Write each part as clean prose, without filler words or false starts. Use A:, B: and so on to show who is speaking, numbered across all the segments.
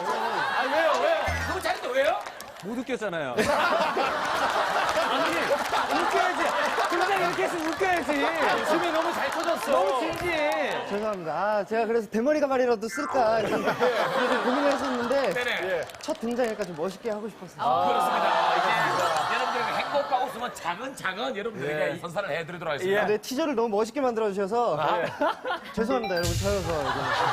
A: 아, 왜요?
B: 너무 잘했어, 왜요?
A: 못 웃겼잖아요. 아니, 웃겨야지. 등장 이렇게 했으면 웃겨야지. 웃음이 너무 잘 터졌어. 너무 진지해.
C: 죄송합니다. 아, 제가 그래서 대머리 가발이라도 쓸까 그래서 고민을 했었는데
B: 네네.
C: 첫 등장이니까 좀 멋있게 하고 싶었어요.
B: 그렇습니다. 이제 여러분들에게 행복과 웃음은 작은 여러분들에게 선사를 해드리도록 하겠습니다.
C: 네, 티저를 너무 멋있게 만들어 주셔서 죄송합니다, 여러분. 저여서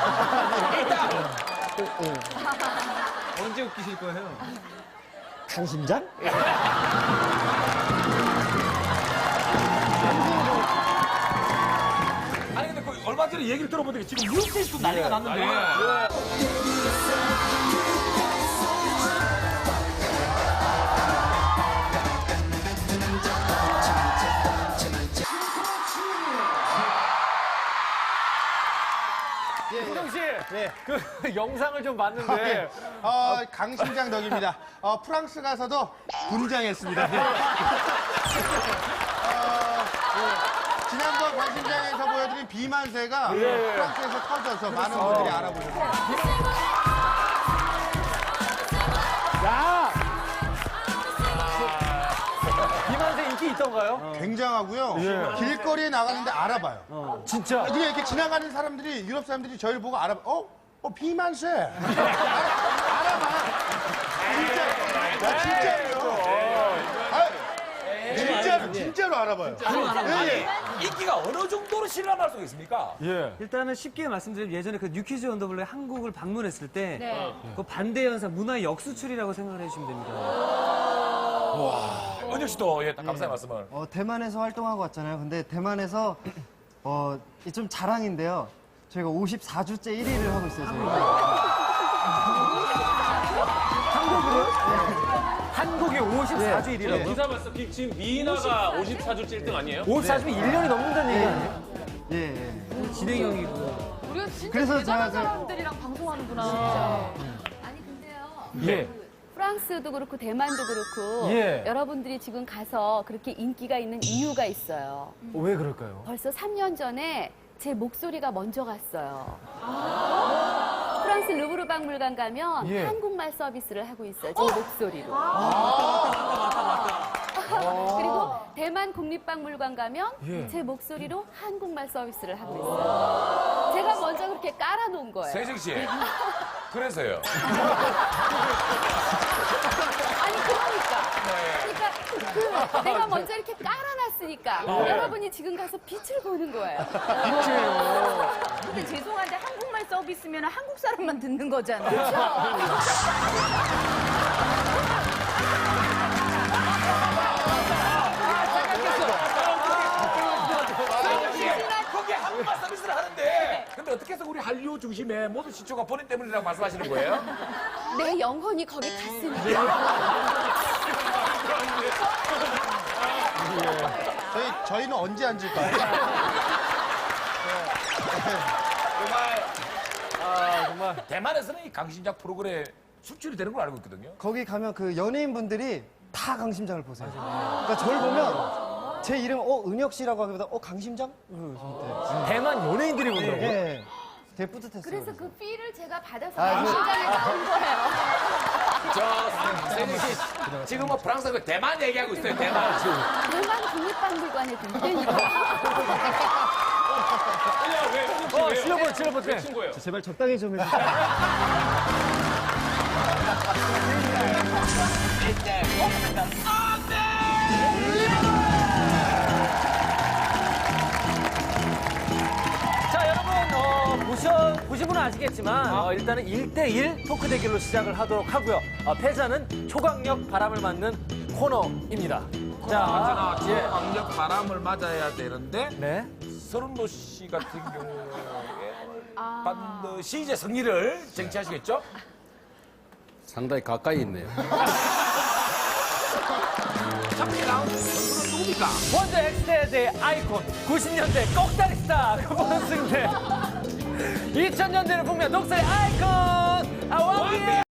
A: 언제 웃기실 거예요?
C: 강심장?
B: 아니 근데 그 얼마 전에 얘기를 들어보니까 지금 뉴스에서도 난리가 났는데.
A: 김정 씨, 그 영상을 좀 봤는데
D: 강심장 덕입니다. 프랑스 가서도 분장했습니다. 지난번 강심장에서 보여드린 비만세가 프랑스에서 터져서 많은 분들이 알아보셨습니다.
A: 야! 비만세 인기 있던가요?
D: 굉장하고요. 길거리에 나가는데 알아봐요.
A: 진짜.
D: 그냥 이렇게 지나가는 사람들이, 유럽 사람들이 저희를 보고 알아봐. 비만세. 알아봐. 진짜로 알아봐요.
B: 아니, 인기가 어느 정도로 실감할 수 있습니까?
A: 일단은 쉽게 말씀드리면 예전에 그 뉴퀴즈 언더블루에 한국을 방문했을 때 그 반대 현상 문화 역수출이라고 생각을 해주시면 됩니다.
B: 은혁 씨도 예, 감사의 말씀을.
C: 대만에서 활동하고 왔잖아요. 근데 대만에서 이좀 자랑인데요. 저희가 54주째 1위를 하고 있어요.
A: 한국이 54주 1위라고.
E: 기사 봤어. 지금 미나가 54주째 1등 아니에요?
A: 54주면 1년이 넘는다는 얘기 아니에요?
C: 예.
A: 진행형이고.
F: 우리가 진짜
C: 그래서
F: 대단한
C: 제가
F: 사람들이랑 방송하는구나.
G: 아니 근데요.
A: 예.
G: 프랑스도 그렇고 대만도 그렇고
A: 예.
G: 여러분들이 지금 가서 그렇게 인기가 있는 이유가 있어요.
A: 왜 그럴까요?
G: 벌써 3년 전에 제 목소리가 먼저 갔어요. 프랑스 루브르 박물관 가면
A: 예.
G: 한국말 서비스를 하고 있어요. 제 목소리로. 그리고 대만 국립박물관 가면
A: 예.
G: 제 목소리로 한국말 서비스를 하고 있어요. 제가 먼저 그렇게 깔아놓은 거예요.
B: 세정 씨. 그래서요.
G: 아니 그러니까 내가 먼저 이렇게 깔아놨으니까 여러분이 지금 가서 빛을 보는 거예요.
F: 근데 죄송한데 한국말 서비스면 한국 사람만 듣는 거잖아요.
B: 거기에 한국말 서비스를 하는데 근데 어떻게 해서 우리 한류 중심의 모든 시초가 본인 때문이라고 말씀하시는 거예요?
G: 내 영혼이 거기 갔으니까.
D: 저희는 언제 앉을까요?
B: 정말 대만에서는 이 강신작 프로그램 수출이 되는 걸 알고 있거든요.
C: 거기 가면 그 연예인분들이 다 강심장을 보세요. 그러니까 저를 보면 제 이름 은혁 씨라고 하기보다 강심장?
A: 대만 연예인들이 본다고?
C: 예. 되게 뿌듯했어요.
G: 그래서 그 피를 제가 받아서
C: 아,
G: 강심장에 나온 거예요.
B: 저 세정 씨 지금 뭐 프랑스 대만 얘기하고 있어요. 대만.
G: 대만 국립박물관에 등대니까.
A: 실어보.
E: 친 거예요.
C: 제발 적당히 좀 해주세요.
A: 자, 여러분, 보신 분은 아시겠지만, 일단은 1대1 토크 대결로 시작을 하도록 하고요. 패자는 초강력 바람을 맞는 코너입니다. 자,
B: 언제나 강력 바람을 맞아야 되는데
A: 네.
B: 서른도 씨 같은 경우에 반드시 이제 승리를 쟁취하시겠죠?
H: 상당히 가까이 있네요.
B: 첫 번째 라운드 선수는 누굽니까?
A: 먼저 엑스테드의 아이콘, 90년대 꼭다리 스타, 그번 승대. 2000년대를 풍미한 녹색 아이콘, 왕비의